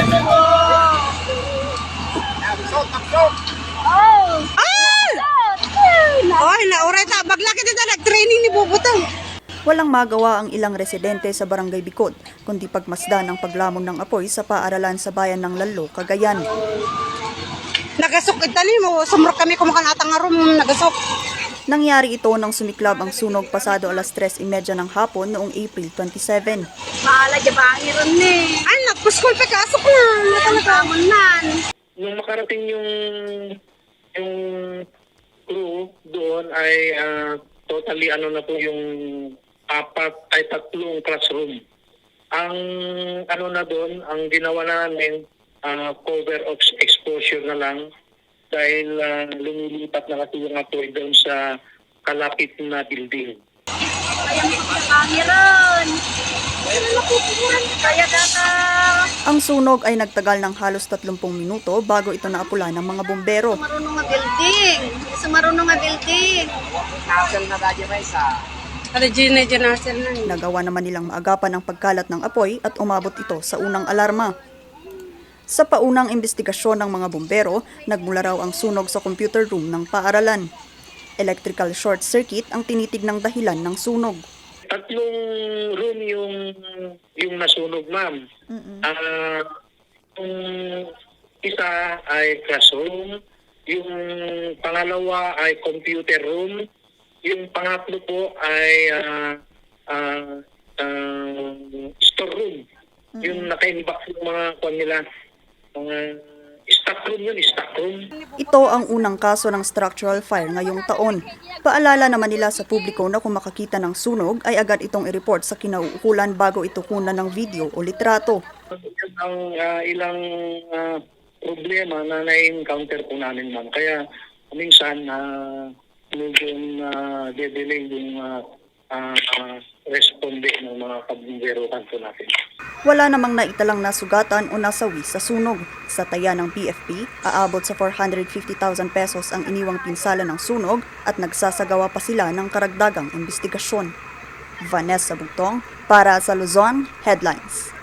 Oy, nauray ta. Bagla kita nag-training ni Bubutang. Walang magawa ang ilang residente sa Barangay Bicod, kundi pagmasdan ang paglamon ng apoy sa paaralan sa bayan ng Lalo, Cagayan. Nagasok itali mo. Sumrok kami kumakanatang nga room. Nagasok. Nangyari ito nang sumiklab ang sunog pasado alas 3:30 ng hapon noong April 27. Bahala dyan ba ang iron ni? Anak, puskol pa kasok na. Nakakamon nan. Nung makarating yung crew doon ay totally na po yung tatlong classroom. Ang na doon, ang ginawa namin cover of exposure na lang dahil lumilipat na kasi yung apoy doon sa kalapit na building. Kaya magpapangiron. Kaya data. Ang sunog ay nagtagal ng halos 30 minuto bago ito naapula ng mga bumbero. Marunong nga building. Marunong nga building. Nasal na dadya may sa. Ano nasal na. Nagawa naman nilang maagapan ang pagkalat ng apoy at umabot ito sa unang alarma. Sa paunang investigasyon ng mga bumbero, nagmula raw ang sunog sa computer room ng paaralan. Electrical short circuit ang tinitignang dahilan ng sunog. Tatlong room yung nasunog, ma'am. Yung isa ay classroom, yung pangalawa ay computer room, yung pangatlo po ay storeroom. Yung naka-inbox yung mga nila, mga stockroom yun, stockroom. Ito ang unang kaso ng structural fire ngayong taon. Paalala naman nila sa publiko na kung makakita ng sunog ay agad itong i-report sa kinauukulan bago ito kunan ng video o litrato. Yan ang ilang problema na na-encounter po namin, ma'am. Kaya minsan medyo de-delay yung responde ng mga kabumbero kanto natin. Wala namang naitalang nasugatan o nasawi sa sunog. Sa taya ng PFP, aabot sa 450,000 pesos ang iniwang pinsala ng sunog at nagsasagawa pa sila ng karagdagang investigasyon. Vanessa Bugtong para sa Luzon Headlines.